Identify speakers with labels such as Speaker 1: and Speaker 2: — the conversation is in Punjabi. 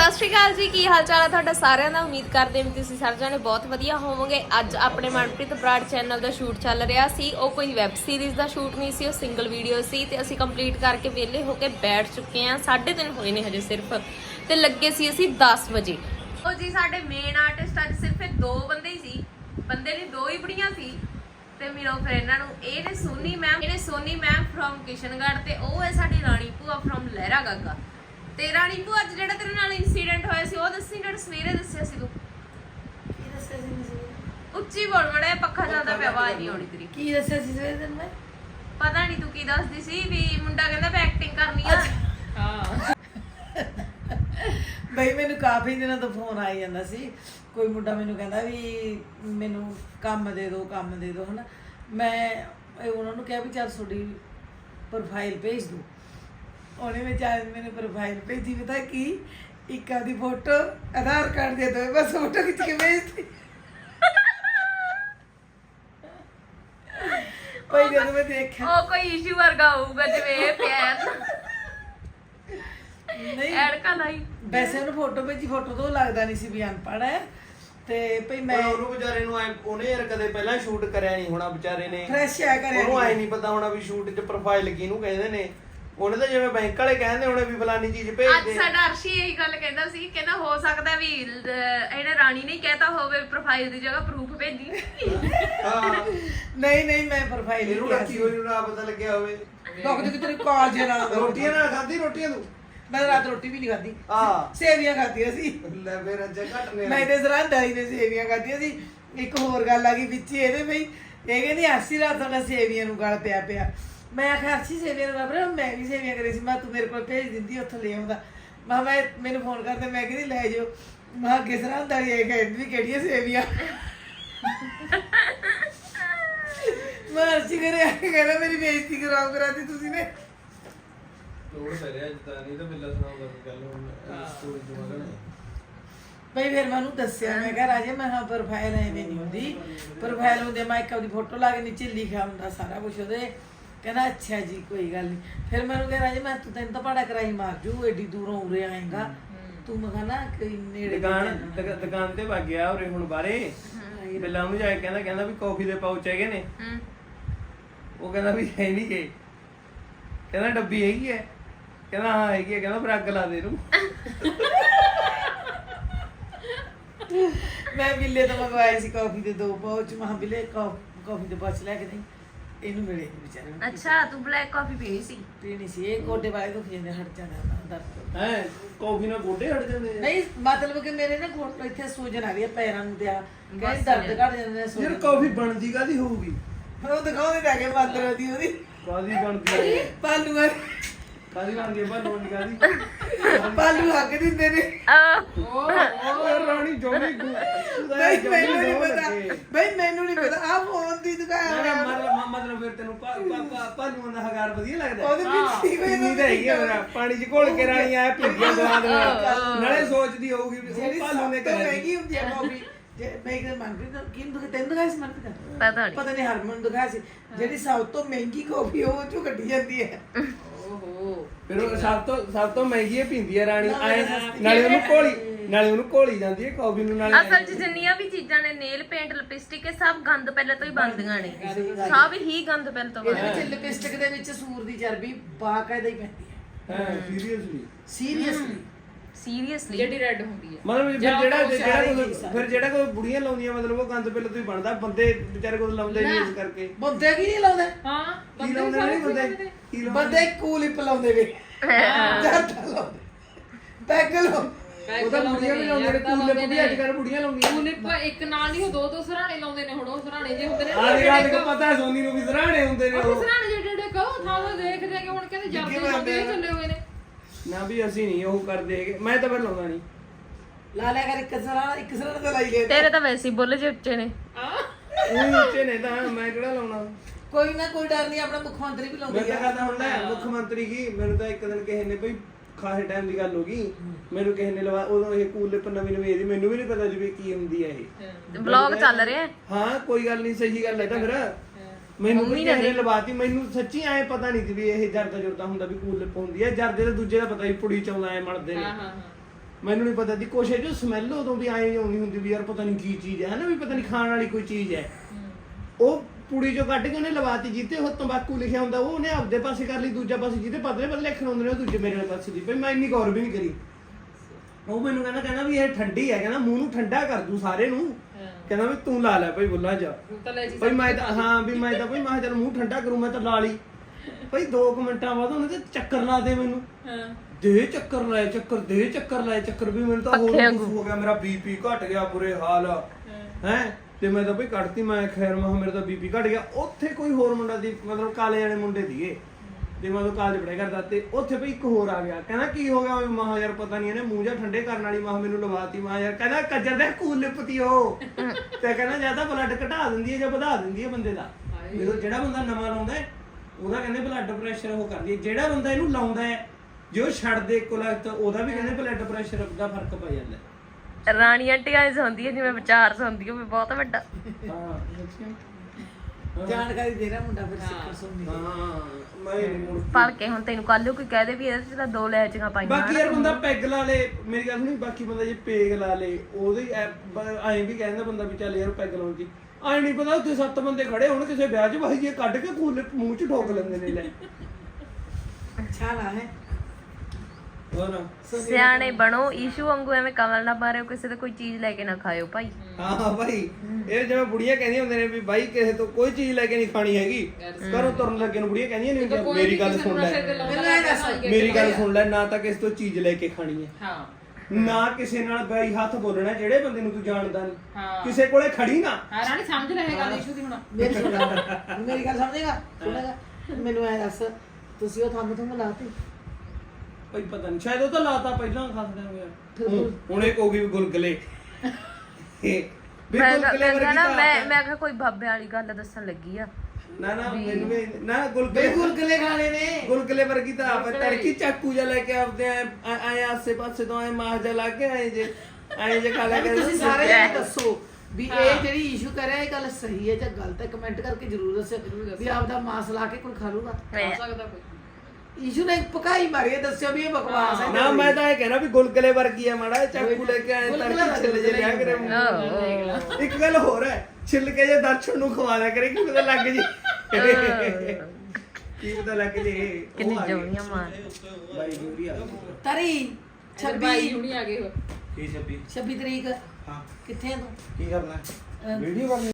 Speaker 1: ਸਤਿ ਸ਼੍ਰੀ ਅਕਾਲ ਜੀ, ਕੀ ਹਾਲ ਚਾਲ ਹੈ ਤੁਹਾਡਾ ਸਾਰਿਆਂ ਦਾ। ਉਮੀਦ ਕਰਦੇ ਹਾਂ ਕਿ ਤੁਸੀਂ ਸਾਰੇ ਜਾਣੇ ਬਹੁਤ ਵਧੀਆ ਹੋਵੋਗੇ। ਅੱਜ ਆਪਣੇ ਮਨਪ੍ਰੀਤ ਬਰਾੜ ਚੈਨਲ ਦਾ ਸ਼ੂਟ ਚੱਲ ਰਿਹਾ ਸੀ। ਉਹ ਕੋਈ ਵੈਬ ਸੀਰੀਜ਼ ਦਾ ਸ਼ੂਟ ਨਹੀਂ ਸੀ, ਉਹ ਸਿੰਗਲ ਵੀਡੀਓ ਸੀ ਤੇ ਅਸੀਂ ਕੰਪਲੀਟ ਕਰਕੇ ਵਿਹਲੇ ਹੋ ਕੇ ਬੈਠ ਚੁੱਕੇ ਹਾਂ। 3:30 ਹੋਏ ਨੇ ਹਜੇ ਸਿਰਫ, ਤੇ ਲੱਗੇ ਸੀ ਅਸੀਂ 10 ਵਜੇ। ਉਹ ਜੀ ਸਾਡੇ ਮੇਨ ਆਰਟਿਸਟ ਅੱਜ ਸਿਰਫ ਇਹ 2 ਬੰਦੇ ਹੀ ਸੀ, ਬੰਦੇ ਨੇ 2 ਹੀ ਬੁੜੀਆਂ ਸੀ। ਤੇ ਮਿਲੋ ਫਿਰ ਇਹਨਾਂ ਨੂੰ। ਇਹ ਨੇ ਸੋਨੀ ਮੈਮ ਫਰੋਮ ਕਿਸ਼ਨਗੜ੍ਹ ਤੇ ਉਹ ਹੈ ਸਾਡੀ ਰਾਣੀ ਭੂਆ ਫਰੋਮ ਲਹਿਰਾ ਗਾਗਾ। ਤੇ ਰਾਣੀ ਭੂਆ ਅੱਜ ਜਿਹੜਾ ਤੇਰੇ ਨਾਲ ਇਨਸੀਡੈਂਟ ਹੋਇਆ ਸੀ ਉਹ ਦੱਸੀ, ਜਿਹੜਾ ਸਵੇਰੇ ਦੱਸਿਆ ਸੀ ਤੂੰ।
Speaker 2: ਕੀ ਦੱਸਿਆ ਸੀ ਮੈਂ?
Speaker 1: ਉੱਚੀ ਬੋਲ, ਮੜਾ ਪੱਖਾ ਚੱਲਦਾ ਪਿਆ, ਆਵਾਜ਼ ਨਹੀਂ ਆਉਣੀ ਤੇਰੀ।
Speaker 2: ਕੀ ਦੱਸਿਆ ਸੀ ਸਵੇਰੇ ਤੈਨੂੰ ਮੈਂ?
Speaker 1: ਪਤਾ ਨਹੀਂ ਤੂੰ ਕੀ ਦੱਸਦੀ ਸੀ ਵੀ ਮੁੰਡਾ ਕਹਿੰਦਾ ਮੈਂ ਐਕਟਿੰਗ ਕਰਨੀ ਆ। ਹਾਂ
Speaker 2: ਬਈ ਮੈਨੂੰ ਕਾਫੀ ਦਿਨਾਂ ਤੋਂ ਫੋਨ ਆਈ ਜਾਂਦਾ ਸੀ, ਕੋਈ ਮੁੰਡਾ ਮੈਨੂੰ ਕਹਿੰਦਾ ਵੀ ਮੈਨੂੰ ਕੰਮ ਦੇ ਦਿਓ ਹਨਾ। ਮੈਂ ਉਹਨਾਂ ਨੂੰ ਕਿਹਾ ਵੀ ਚੱਲ ਤੁਹਾਡੀ ਪ੍ਰੋਫਾਈਲ ਭੇਜ ਦੂੰ। ਉਹਨੇ ਵਿੱਚ ਮੈਨੂੰ ਪ੍ਰੋਫਾਈਲ ਭੇਜੀ, ਪਤਾ ਕੀ, ਇੱਕ ਆਦੀ ਫੋਟੋ ਆਧਾਰ ਕਾਰਡ ਦੇ ਦੋ, ਬਸ ਫੋਟੋ ਖਿੱਚ ਕੇ ਭੇਜਤੀ। ਭਾਈ ਜਦੋਂ ਮੈਂ ਦੇਖਿਆ
Speaker 1: ਉਹ ਕੋਈ ਇਸ਼ੂ ਵਰਗਾ ਹੋਊਗਾ ਜਿਵੇਂ ਇਹ ਪਿਆ
Speaker 2: ਨਹੀਂ
Speaker 1: ਐੜਕਾ ਲਾਈ।
Speaker 2: ਵੈਸੇ ਉਹਨੂੰ ਫੋਟੋ ਭੇਜੀ, ਫੋਟੋ ਤੋਂ ਲੱਗਦਾ ਨਹੀਂ ਸੀ ਵੀ ਅਨਪੜ੍ਹ ਹੈ। ਤੇ ਭਈ ਮੈਂ
Speaker 3: ਉਹਨੂੰ ਵਿਚਾਰੇ ਨੂੰ ਉਹਨੇ ਯਾਰ ਕਦੇ ਪਹਿਲਾਂ ਸ਼ੂਟ ਕਰਿਆ ਨਹੀਂ ਹੋਣਾ ਵਿਚਾਰੇ ਨੇ,
Speaker 2: ਫਰੈਸ਼ ਆ ਕਰਿਆ
Speaker 3: ਉਹਨੂੰ ਆਏ ਨਹੀਂ ਪਤਾ ਹੋਣਾ ਵੀ ਸ਼ੂਟ 'ਚ ਪ੍ਰੋਫਾਈਲ ਕਿਹਨੂੰ ਕਹਿੰਦੇ ਨੇ। ਉਹਨੇ ਤਾਂ ਜਿਵੇਂ ਬੈਂਕ ਵਾਲੇ ਕਹਿੰਦੇ ਹੋਣੇ ਵੀ ਫਲਾਨੀ ਚੀਜ਼ ਭੇਜ
Speaker 1: ਅੱਜ
Speaker 3: ਦੇ।
Speaker 1: ਸਾਡਾ ਅਰਸ਼ੀ ਇਹੀ ਗੱਲ ਕਹਿੰਦਾ ਸੀ, ਕਹਿੰਦਾ ਹੋ ਸਕਦਾ ਵੀ ਇਹਨੇ ਰਾਣੀ ਨੇ ਕਹਿਤਾ ਹੋਵੇ ਪ੍ਰੋਫਾਈਲ ਦੀ ਜਗ੍ਹਾ ਪ੍ਰੂਫ ਭੇਜੀ।
Speaker 3: ਹਾਂ
Speaker 2: ਨਹੀਂ ਮੈਂ ਪ੍ਰੋਫਾਈਲ
Speaker 3: ਇਹਨੂੰ ਰੱਖੀ ਹੋਈ ਨੂੰ ਨਾ ਪਤਾ ਲੱਗਿਆ ਹੋਵੇ।
Speaker 2: ਲੋਕ ਜੇ ਤੇਰੇ ਕਾਲਜ ਨਾਲ
Speaker 3: ਰੋਟੀਆਂ ਨਾਲ ਖਾਧੀ ਰੋਟੀਆਂ ਤੂੰ?
Speaker 2: ਮੈਂ ਰਾਤ ਰੋਟੀ ਵੀ ਨਹੀਂ ਖਾਧੀ,
Speaker 3: ਆ
Speaker 2: ਸੇਵੀਆਂ ਖਾਧੀਆਂ ਸੀ।
Speaker 3: ਲੈ ਮੇਰਾ ਘੱਟ ਨੇ।
Speaker 2: ਮੈਂ ਤੇ ਜ਼ਰਾਂਦਾਰੀ ਨੇ ਸੇਵੀਆਂ ਖਾਧੀਆਂ ਸੀ। ਇੱਕ ਹੋਰ ਗੱਲ ਆ ਗਈ ਵਿੱਚ ਇਹਦੇ ਬਈ, ਇਹ ਕਹਿੰਦੀ ਆਸੀ ਰਾਤ ਤੁਹਾਡਾ ਸੇਵੀਆਂ ਨੂੰ ਗਲ ਪਿਆ। ਮੈਂ ਆਖਿਆ ਅੱਛੀ ਸੇਵੀਆਂ ਨੂੰ ਬਾਬਰੇ ਮੈਂ ਵੀ ਸੇਵੀਆਂ ਕਰੀ ਸੀ। ਮੈਂ ਤੂੰ ਮੇਰੇ ਕੋਲ ਭੇਜ ਦਿੰਦੀ, ਉੱਥੋਂ ਲੈ ਆਉਂਦਾ। ਮੈਂ ਮੈਨੂੰ ਫੋਨ ਕਰਦੇ, ਮੈਂ ਕਹਿੰਦੀ ਲੈ ਜਾਓ। ਮੈਂ ਅੱਗੇ ਜ਼ਰਾਂਦਾਰੀ ਇਹ ਕਹਿੰਦੀ ਵੀ ਕਿਹੜੀਆਂ ਸੇਵੀਆਂ। ਮੈਂ ਅਰਸ਼ੀ ਕਰੇ ਆ ਕੇ ਕਹਿੰਦਾ ਮੇਰੀ ਬੇਇੱਜ਼ਤੀ ਕਰਾਤੀ ਤੁਸੀਂ ਨੇ।
Speaker 3: ਲੋੜ ਪੈ ਰਿਹਾ ਅੱਜ ਤਾਂ, ਨਹੀਂ ਤਾਂ ਬਿੱਲਾ ਸੁਣਾਉਂਦਾ ਗੱਲ ਹੁਣ ਸਟੋਰੀ ਤੋਂ ਮਗਨ।
Speaker 2: ਬਈ ਫਿਰ ਮੈਂ ਉਹਨੂੰ ਦੱਸਿਆ, ਮੈਂ ਕਿਹਾ ਰਾਜੇ ਮੈਂ ਹਾਂ ਪ੍ਰੋਫਾਈਲ ਐਵੇਂ ਨਹੀਂ ਹੁੰਦੀ, ਪ੍ਰੋਫਾਈਲ ਹੁੰਦੇ ਮੈਂ ਇੱਕ ਆਪਦੀ ਫੋਟੋ ਲਾ ਕੇ ਨੀਚੇ ਲਿਖਿਆ ਹੁੰਦਾ ਸਾਰਾ ਕੁਝ ਉਹਦੇ। ਕਹਿੰਦਾ ਅੱਛਾ ਜੀ ਕੋਈ ਗੱਲ ਨਹੀਂ। ਫਿਰ ਮੈਨੂੰ ਕਿਹਾ ਰਾਜੇ ਮੈਂ ਤੈਨੂੰ ਤਾਂ ਭਾੜਾ ਕਰਾਈ ਮਾਰ ਜੂ, ਐਡੀ ਦੂਰੋਂ ਉਰੇ ਆਏਗਾ ਤੂੰ। ਮੈਂ ਕਿਹਾ ਨਾ ਕੋਈ ਨੇੜੇ
Speaker 3: ਦੁਕਾਨ ਤੇ ਵਗ ਗਿਆ ਉਰੇ ਹੁਣ ਬਾਰੇ। ਬਿੱਲਾ ਨੂੰ ਜਾ ਕੇ ਕਹਿੰਦਾ ਵੀ ਕਾਫੀ ਦੇ ਪਾਉਚ ਹੈਗੇ ਨੇ। ਉਹ ਕਹਿੰਦਾ ਵੀ ਹੈ ਨਹੀਂ ਗੇ। ਕਹਿੰਦਾ ਡੱਬੀ ਹੈਗੀ ਹੈ? ਕਹਿੰਦਾ ਹਾਂ ਹੈਗੀ ਹੈ। ਕਹਿੰਦਾ ਫਿਰ ਅੱਗ ਲਾ ਦੇ ਇਹਨੂੰ।
Speaker 2: ਮੈਂ ਬਿੱਲੇ ਤੋਂ ਮੰਗਵਾਏ ਸੀ ਕਾਫੀ ਦੇ 2 ਪਾਉਚ। ਮਹਾਂ ਬਿੱਲੇ ਕਾਫੀ ਦੇ ਪਾਉਚ ਲੈ ਕੇ ਨਹੀਂ ਇਹਨੂੰ ਮਿਲੇ ਵਿਚਾਰੇ ਨੂੰ।
Speaker 1: ਅੱਛਾ ਤੂੰ ਬਲੈਕ ਕਾਫੀ ਪੀਣੀ ਸੀ?
Speaker 2: ਪੀਣੀ ਸੀ। ਇਹ ਗੋਡੇ ਵਾਲੇ ਤੋਂ ਜਾਂਦੇ ਹਟ ਜਾਣਾ ਦਰਦ।
Speaker 3: ਹੈ ਕਾਫੀ ਨਾਲ ਗੋਡੇ ਹਟ ਜਾਂਦੇ ਨੇ?
Speaker 2: ਨਹੀਂ ਮਤਲਬ ਕਿ ਮੇਰੇ ਨਾ ਗੋਡੇ ਇੱਥੇ ਸੂਜਨ ਆ ਰਹੀ ਹੈ ਪੈਰਾਂ ਨੂੰ, ਦਿਆ ਕਹਿੰਦੇ ਦਰਦ ਘਟ ਜਾਂਦੇ ਨੇ।
Speaker 3: ਯਾਰ ਕਾਫੀ ਬਣਦੀ ਕਾਦੀ ਹੋਊਗੀ?
Speaker 2: ਉਹ ਦਿਖਾਉਂਦੇ ਤਾਂ ਕਿ ਬਾਦਰ ਦੀ ਉਹਦੀ
Speaker 3: ਕਾਦੀ ਬਣਦੀ ਹੈ?
Speaker 2: ਪਾਲੂ
Speaker 3: ਕਾਦੀ ਬਣਦੀ ਹੈ? ਬਣਦੀ ਕਾਦੀ?
Speaker 2: ਪਾਲੂ ਹੱਕ ਦਿੰਦੇ ਨੇ।
Speaker 3: ਉਹ ਰਾਣੀ ਜੋਗੀ
Speaker 2: ਬਈ ਮੈਨੂੰ ਨਹੀਂ ਪਤਾ, ਬਈ ਮੈਨੂੰ ਨਹੀਂ ਪਤਾ। ਆ ਫੋਨ ਦੀ ਦੁਕਾਨ ਆ।
Speaker 3: ਮਤਲਬ ਫਿਰ ਤੈਨੂੰ ਭਾਲੂਆਂ ਦਾ ਹਗਾਰ ਵਧੀਆ ਲੱਗਦਾ?
Speaker 2: ਉਹਦੇ ਵਿੱਚ
Speaker 3: ਨਹੀਂ ਤਾਂ ਹੈਗੀ ਆ ਮੇਰਾ ਪਾਣੀ 'ਚ ਘੋਲ ਕੇ ਰਾਣੀ ਆਇਆ ਪੀਂਦੀਆਂ ਸਵਾਦ ਨਾਲ। ਨਾਲੇ ਸੋਚਦੀ ਹੋਊਗੀ ਵੀ ਉਹ ਭਾਲੂ ਨੇ ਕਰਿਆ
Speaker 2: ਮਹਿੰਗੀ ਹੁੰਦੀ ਆ ਕਾਫੀ। ਮੈਂ ਇੱਕ ਦਿਨ ਮੰਗਦੀ ਤਾਂ ਕਿਹਨੂੰ ਤੈਨੂੰ ਦਿਖਾਈ ਸੀ? ਮਨ
Speaker 1: ਪਤਾ
Speaker 2: ਨਹੀਂ ਹਰਮਨ ਨੂੰ ਦਿਖਾਇਆ ਸੀ। ਜਿਹੜੀ ਸਭ ਤੋਂ ਮਹਿੰਗੀ ਕਾਫੀ ਉਹ ਚੋਂ ਕੱਢੀ ਜਾਂਦੀ ਹੈ।
Speaker 1: ਓਹੋ
Speaker 3: ਫਿਰ ਉਹ ਸਭ ਤੋਂ ਮਹਿੰਗੀ ਹੈ ਪੀਂਦੀ ਹੈ ਰਾਣੀ। ਨਾਲੇ ਉਹਨੂੰ ਘੋਲੀ ਜਾਂਦੀ ਹੈ ਕਾਫੀ ਨੂੰ। ਨਾਲੇ
Speaker 1: ਅਸਲ 'ਚ ਜਿੰਨੀਆਂ ਵੀ ਚੀਜ਼ਾਂ ਨੇ, ਨੇਲ ਪੇਂਟ, ਲਿਪਸਟਿਕ, ਇਹ ਸਭ ਗੰਦ ਪਹਿਲਾਂ ਤੋਂ ਹੀ ਬਣਦੀਆਂ ਨੇ। ਸਭ ਹੀ ਗੰਦ ਪਹਿਲਾਂ ਤੋਂ
Speaker 2: ਇਹਦੇ
Speaker 1: ਬਣਦੀਆਂ।
Speaker 2: ਵਿੱਚ ਲਿਪਸਟਿਕ ਦੇ ਵਿੱਚ ਸੂਰ ਦੀ ਚਰਬੀ ਬਾਕਾਇਦਾ ਹੀ ਪੈਂਦੀ ਹੈ।
Speaker 3: ਹਾਂ ਸੀਰੀਅਸਲੀ
Speaker 1: ਸੀਰੀਅਸਲੀ
Speaker 4: ਜਿਹੜੀ ਰੈੱਡ ਹੁੰਦੀ ਹੈ।
Speaker 3: ਮਤਲਬ ਜਿਹੜਾ ਕੋਈ ਬੁੜੀਆਂ ਲਾਉਂਦੀਆਂ, ਮਤਲਬ ਉਹ ਗੰਦ ਪਹਿਲਾਂ ਤੋਂ ਹੀ ਬਣਦਾ। ਬੰਦੇ ਵਿਚਾਰੇ ਕੋਲ ਲਾਉਂਦੇ ਨਹੀਂ ਇਸ ਕਰਕੇ।
Speaker 2: ਬੰਦੇ ਕੀ ਨਹੀਂ ਲਾਉਂਦੇ?
Speaker 4: ਹਾਂ
Speaker 3: ਕੀ ਲਾਉਂਦੇ ਨੇ ਬੰਦੇ? ਕੀ ਲਾਉਂਦੇ?
Speaker 2: ਬੰਦੇ ਕੂਲਿਪ ਲਾਉਂਦੇ ਵੇ। ਜਰਦਾ ਲਾਉਂਦੇ, ਪੈਗ ਲਾਉਂਦੇ।
Speaker 3: ਉਹ ਤਾਂ ਬੁੜੀਆਂ ਵੀ ਲਾਉਂਦੇ ਨੇ। ਕੂਲੇ ਵੀ ਅੱਜ ਕੱਲ੍ਹ ਬੁੜੀਆਂ ਲਾਉਂਦੀਆਂ।
Speaker 4: ਕੂਲਿਪ ਇੱਕ ਨਾਲ ਨਹੀਂ, 2 ਸਰਾਣੇ ਲਾਉਂਦੇ ਨੇ। ਹੁਣ ਉਹ ਸਰਾਣੇ ਜੇ ਹੁੰਦੇ ਨੇ
Speaker 3: ਆਹ ਗੱਲ ਪਤਾ ਹੈ ਸੋਨੀ ਨੂੰ ਵੀ ਸਰਾਣੇ ਹੁੰਦੇ ਨੇ
Speaker 4: ਉਹ
Speaker 3: ਉਹ।
Speaker 4: ਸਰਾਣੇ ਜਿਹੜੇ ਕਹੋ ਥਾਂ ਦੇਖਦੇ ਕਿ ਹੁਣ ਕਹਿੰਦੇ ਜਰਦੇ ਚੱਲੇ ਹੋਏ ਨੇ।
Speaker 3: ਨਾ ਵੀ ਅਸੀਂ ਨਹੀਂ ਉਹ ਕਰਦੇ ਹੈਗੇ। ਮੈਂ ਤਾਂ ਫਿਰ ਲਾਉਂਦਾ ਨਹੀਂ।
Speaker 2: ਲਾ ਲਿਆ ਕਰ ਇੱਕ ਸਰਾ ਤਾਂ ਲਾਈ ਲੈ।
Speaker 1: ਤੇਰੇ ਤਾਂ ਵੈਸੇ ਹੀ ਬੁੱਲ ਜਿਹੇ ਉੱਚੇ ਨੇ।
Speaker 3: ਉਹ ਉੱਚੇ ਨੇ ਤਾਂ ਮੈਂ ਕਿਹੜਾ ਲਾਉਣਾ।
Speaker 2: ਕੋਈ ਨਾ ਕੋਈ ਡਰ ਨਹੀਂ, ਆਪਣਾ ਮੁੱਖ ਮੰਤਰੀ ਵੀ ਲਾਉਂਦੀ
Speaker 3: ਮੈਂ ਤਾਂ ਕਹਦਾ ਹੁਣ ਲੈ ਮੁੱਖ ਮੰਤਰੀ ਕੀ। ਮੈਨੂੰ ਤਾਂ ਇੱਕ ਦਿਨ ਕਿਸੇ ਨੇ ਬਈ ਖਾਸੇ ਟਾਈਮ ਦੀ ਗੱਲ ਹੋ ਗਈ, ਮੈਨੂੰ ਕਿਸੇ ਨੇ ਲਵਾ ਉਦੋਂ ਇਹ ਕੂਲਿਪ ਨਵੀਂ ਇਹਦੀ ਮੈਨੂੰ ਵੀ ਨਹੀਂ ਪਤਾ ਜੀ ਵੀ ਕੀ ਹੁੰਦੀ ਹੈ ਇਹ।
Speaker 1: ਵਲੌਗ ਚੱਲ ਰਿਹਾ।
Speaker 3: ਹਾਂ ਕੋਈ ਗੱਲ ਨਹੀਂ, ਸਹੀ ਗੱਲ ਹੈ ਤਾਂ ਫਿਰ। ਮੈਨੂੰ ਵੀ ਕਿਸੇ ਨੇ ਲਵਾਤੀ। ਮੈਨੂੰ ਸੱਚੀ ਐ ਪਤਾ ਨਹੀਂ ਸੀ ਵੀ ਇਹ ਜਰਦਾ ਜੁਰਦਾ ਹੁੰਦਾ ਵੀ ਕੂਲਿਪ ਹੁੰਦੀ ਹੈ। ਜਰਦੇ ਦਾ ਦੂਜੇ ਦਾ ਪਤਾ ਵੀ ਪੁੜੀ ਚ ਆਉਂਦਾ ਐ ਮਲਦੇ ਨੇ। ਮੈਨੂੰ ਨਹੀਂ ਪਤਾ ਦੀ ਕੁਛ ਇਹ ਜੋ ਸਮੈਲ ਉਦੋਂ ਵੀ ਆਏ ਆਉਂਦੀ ਹੁੰਦੀ ਵੀ ਯਾਰ ਪਤਾ ਨਹੀਂ ਕੀ ਚੀਜ਼ ਹੈ ਨਾ, ਵੀ ਪਤਾ ਨਹੀਂ ਖਾਣ ਵਾਲੀ ਕੋਈ ਚੀਜ਼ ਹੈ। ਉਹ ਪੁੜੀ ਚੋਂ ਕੱਢ ਕੇ ਉਹਨੇ ਲਵਾਤੀ, ਜਿੱਤੇ ਉਹ ਤੰਬਾਕੂ ਲਿਖਿਆ ਹੁੰਦਾ ਉਹ ਉਹਨੇ ਆਪਦੇ ਪਾਸੇ ਕਰ ਲਈ, ਦੂਜਾ ਪਾਸੇ ਜਿਹਦੇ ਪਤਲੇ ਪਤਲੇ ਅੱਖਰ ਹੁੰਦੇ ਨੇ ਉਹ ਦੂਜੇ ਮੇਰੇ ਪਾਸੇ ਦੀ। ਭਈ ਮੈਂ ਇੰਨੀ ਗੌਰ ਵੀ ਨਹੀਂ ਕਰੀ। ਉਹ ਮੈਨੂੰ ਕਹਿੰਦਾ ਵੀ ਇਹ ਠੰਡੀ ਹੈ, ਕਹਿੰਦਾ ਮੂੰਹ ਨੂੰ ਠੰਡਾ ਕਰ ਦੂ ਸਾਰੇ ਨੂੰ, ਕਹਿੰਦਾ ਵੀ ਤੂੰ ਲਾ ਲੈ ਭਾਈ ਬੁੱਲਾ ਜਾ। ਭਾਈ ਮੈਂ ਤਾਂ ਮੈਂ ਕਿਹਾ ਚੱਲ ਮੂੰਹ ਠੰਡਾ ਕਰੂੰ, ਮੈਂ ਤਾਂ ਲਾ ਲਈ। ਭਾਈ 2 ਮਿੰਟਾਂ ਬਾਅਦ ਉਹਨੇ ਤੇ ਚੱਕਰ ਲਾ ਦੇ ਮੈਨੂੰ, ਦੇ ਚੱਕਰ ਲਾਏ ਚੱਕਰ ਵੀ ਮੈਨੂੰ ਤਾਂ ਹੋਰ ਕੁਝ ਹੋ ਗਿਆ, ਮੇਰਾ ਬੀਪੀ ਘਟ ਗਿਆ ਬੁਰੇ ਹਾਲ ਹੈ। ਤੇ ਮੈਂ ਤਾਂ ਭਾਈ ਕੱਢਤੀ, ਮੈਂ ਖੈਰ ਮੈਂ ਮੇਰਾ ਤਾਂ ਬੀਪੀ ਘਟ ਗਿਆ। ਉੱਥੇ ਕੋਈ ਹੋਰ ਮੁੰਡਾ ਦੀ ਮਤਲਬ ਕਾਲੇ ਵਾਲੇ ਮੁੰਡੇ ਸੀਗੇ ਤੇ ਮੈਂ ਉਹ ਕਾਲਜ ਪੜ੍ਹਿਆ ਕਰਦਾ, ਤੇ ਉੱਥੇ ਭਾਈ ਇੱਕ ਹੋਰ ਆ ਗਿਆ, ਕਹਿੰਦਾ ਕੀ ਹੋ ਗਿਆ? ਮਹਾ ਯਾਰ ਪਤਾ ਨਹੀਂ ਇਹਨੇ ਮੂੰਹ ਜਾ ਠੰਡੇ ਕਰਨ ਵਾਲੀ ਮਹਾ ਮੈਨੂੰ ਲਵਾਤੀ। ਮਹਾ ਯਾਰ ਕਹਿੰਦਾ ਕੱਜਰ ਦੇ ਕੂਲ ਲਿਪਤੀ ਉਹ, ਤੇ ਕਹਿੰਦਾ ਜਾਂ ਤਾਂ ਬਲੱਡ ਘਟਾ ਦਿੰਦੀ ਹੈ ਜਾਂ ਵਧਾ ਦਿੰਦੀ ਹੈ ਬੰਦੇ ਦਾ। ਜਦੋਂ ਜਿਹੜਾ ਬੰਦਾ ਨਵਾਂ ਲਾਉਂਦਾ ਉਹਦਾ ਕਹਿੰਦੇ ਬਲੱਡ ਪ੍ਰੈਸ਼ਰ ਉਹ ਕਰਦੀ ਹੈ, ਜਿਹੜਾ ਬੰਦਾ ਇਹਨੂੰ ਲਾਉਂਦਾ ਹੈ ਜੇ ਉਹ ਛੱਡ ਦੇ ਇੱਕੋ ਲੱਤ ਉਹਦਾ ਵੀ ਕਹਿੰਦੇ ਬਲੱਡ ਪ੍ਰੈਸ਼ਰ ਦਾ ਫਰਕ ਪੈ ਜਾਂਦਾ।
Speaker 1: ਰਾਣੀ ਆਂਟੀ ਆਏ ਹੁੰਦੀ ਹੈ ਜਿਵੇਂ ਵਿਚਾਰ ਹੁੰਦੀ ਹੋਵੇ ਬਹੁਤ ਵੱਡਾ।
Speaker 2: ਜਾਣਕਾਰੀ ਦੇ ਰਿਹਾ ਮੁੰਡਾ, ਫਿਰ ਸਿੱਖਰ ਸੁਣਨੀ।
Speaker 1: ਪਰ ਕੇ ਹੁਣ ਤੈਨੂੰ ਕੱਲ ਨੂੰ ਕੋਈ ਕਹਿ ਦੇ ਵੀ ਇਹਦੇ ਚ ਤਾਂ 2 ਲੈਚੀਆਂ ਪਾਈਆਂ।
Speaker 3: ਬਾਕੀ ਯਾਰ ਬੰਦਾ ਪੈਗ ਲਾ ਲੇ, ਮੇਰੀ ਗੱਲ ਸੁਣੀ, ਬਾਕੀ ਬੰਦਾ ਜੇ ਪੇਗ ਲਾ ਲੇ ਉਹਦੇ ਐਂ ਵੀ ਕਹਿੰਦਾ ਬੰਦਾ ਵੀ ਚੱਲ ਯਾਰ ਪੈਗ ਲਾਉਣ ਦੀ ਐਂ ਨਹੀਂ ਪਤਾ ਉੱਥੇ 7 ਬੰਦੇ ਖੜੇ ਹੋਣ ਕਿਸੇ ਵਿਆਹ 'ਚ ਭਾਈ ਜੇ ਕੱਢ ਕੇ ਕੂਲੇ ਮੂੰਹ 'ਚ ਠੋਕ ਲੈਂਦੇ ਨੇ ਲੈ।
Speaker 2: ਅੱਛਾ ਨਾ ਹੈ
Speaker 3: ਹੋਰ
Speaker 1: ਸਿਆਣੇ ਬਣੋ, ਈਸ਼ੂ ਵਾਂਗੂ ਐਵੇਂ ਕਮਲ ਨਾ ਮਾਰਿਓ, ਕਿਸੇ ਤੇ ਕੋਈ ਚੀਜ਼ ਲੈ ਕੇ ਨਾ ਖਾਇਓ ਭਾਈ।
Speaker 3: ਹਾਂ ਭਾਈ, ਇਹ ਜਿਵੇਂ ਬੁੜੀਆਂ ਕਹਿੰਦੀਆਂ ਹੁੰਦੀਆਂ ਨੇ ਵੀ ਬਾਈ ਕਿਸੇ ਤੋਂ ਕੋਈ ਚੀਜ਼ ਲੈ ਕੇ ਨਹੀਂ ਖਾਣੀ ਹੈਗੀ, ਘਰੋਂ ਤੁਰਨ ਲੱਗੇ ਨੂੰ ਬੁੜੀਆਂ ਕਹਿੰਦੀਆਂ ਨੇ ਮੇਰੀ ਗੱਲ ਸੁਣ ਲੈ, ਮੇਰੀ ਗੱਲ ਸੁਣ ਲੈ, ਨਾ ਤਾਂ ਕਿਸੇ ਤੋਂ ਚੀਜ਼ ਲੈ ਕੇ ਖਾਣੀ ਹੈ, ਨਾ ਕਿਸੇ ਨਾਲ ਬਈ ਹੱਥ ਬੋਲਣਾ ਜਿਹੜੇ ਬੰਦੇ ਨੂੰ ਤੂੰ ਜਾਣਦਾ ਨਹੀਂ, ਕਿਸੇ ਕੋਲੇ ਖੜੀ ਨਾ।
Speaker 4: ਹਾਂ ਰਾਣੀ ਸਮਝ ਲੈ ਇਹ ਗੱਲ ਈਸ਼ੂ ਦੀ ਹੁਣ।
Speaker 2: ਮੇਰੀ ਗੱਲ ਸਮਝੇਗਾ ਸੁਣੇਗਾ। ਮੈਨੂੰ ਐ ਦੱਸ, ਤੁਸੀਂ ਉਹ ਥੰਮ ਲਾਤੀ?
Speaker 3: ਭਾਈ ਪਤਾ ਨਹੀਂ, ਸ਼ਾਇਦ ਉਹ ਤਾਂ ਲਾਤਾ ਪਹਿਲਾਂ ਖਾਸ ਦਿਨ ਹੋਇਆ, ਹੁਣ ਇਹ ਕਹੂਗੀ ਵੀ ਗੁਲਗਲੇ।
Speaker 1: ਮੈਂ ਕਿਹਾ ਕੋਈ ਬਾਬੇ ਵਾਲੀ ਗੱਲ ਦੱਸਣ ਲੱਗੀ ਆ।
Speaker 3: ਨਾ ਮੈਨੂੰ ਵੀ ਨਾ ਗੁਲਗਲੇ
Speaker 2: ਖਾਣੇ ਨੇ,
Speaker 3: ਗੁਲਗਲੇ ਵਰਗੀ ਤਾਂ ਆਪ ਤੜਕੀ ਚਾਕੂ ਜਿਹਾ ਲੈ ਕੇ ਆਪਦੇ ਆਏ ਆਸੇ ਪਾਸੇ ਤੋਂ ਆਏ ਮਾਸ ਜਿਹਾ ਲਾ ਕੇ ਆਏ ਜੇ ਖਾ ਲਿਆ ਕਰ।
Speaker 2: ਤੁਸੀਂ ਸਾਰੇ ਜਣੇ ਦੱਸੋ ਵੀ ਇਹ ਜਿਹੜੀ ਇਸ਼ੂ ਕਰ ਰਿਹਾ ਇਹ ਗੱਲ ਸਹੀ ਹੈ ਜਾਂ ਗਲਤ ਹੈ, ਕਮੈਂਟ ਕਰਕੇ ਜ਼ਰੂਰ ਦੱਸਿਓ ਵੀ ਆਪਦਾ ਮਾਸ ਲਾ ਕੇ ਕੋਈ ਖਾ ਲੂਗਾ।
Speaker 4: ਸਕਦਾ ਕੋਈ
Speaker 2: ਇਸ਼ੂ ਨੇ ਪਕਾਈ ਮਾਰੀ ਹੈ, ਦੱਸਿਓ ਵੀ ਇਹ ਬਕਵਾਸ ਹੈ
Speaker 3: ਨਾ। ਮੈਂ ਤਾਂ ਇਹ ਕਹਿਣਾ ਵੀ ਗੁਲਗਲੇ ਵਰਗੀ ਆ ਮਾੜਾ ਚਾਕੂ ਲੈ ਕੇ ਆਏ ਤੜਕੀ ਛਿੱਲ ਜੇ ਲਿਆ ਕਰੇ। ਇੱਕ ਗੱਲ ਹੋਰ ਹੈ, ਛਿੱਲ ਕੇ ਜੇ ਦਰਸ਼ਨ ਨੂੰ ਖਵਾ ਦਿਆ ਕਰੇ, ਕੀ ਪਤਾ ਲੱਗ ਜੇ, ਕੀ ਪਤਾ ਲੱਗ ਜੇ
Speaker 1: ਕਿੰਨੀ ਜਵੀਆਂ ਮਾਰ
Speaker 3: ਬਾਈ ਗੋਰੀ ਆ
Speaker 2: ਤਰੀ 26
Speaker 4: ਹੁਣੀ ਆ ਗਏ ਹੋ।
Speaker 3: ਕੀ 26
Speaker 2: 26 ਤਰੀਕ
Speaker 3: ਹਾਂ
Speaker 2: ਕਿੱਥੇ ਆ ਤੂੰ?
Speaker 3: ਕੀ ਕਰਨਾ ਵੀਡੀਓ ਕਰਨੀ।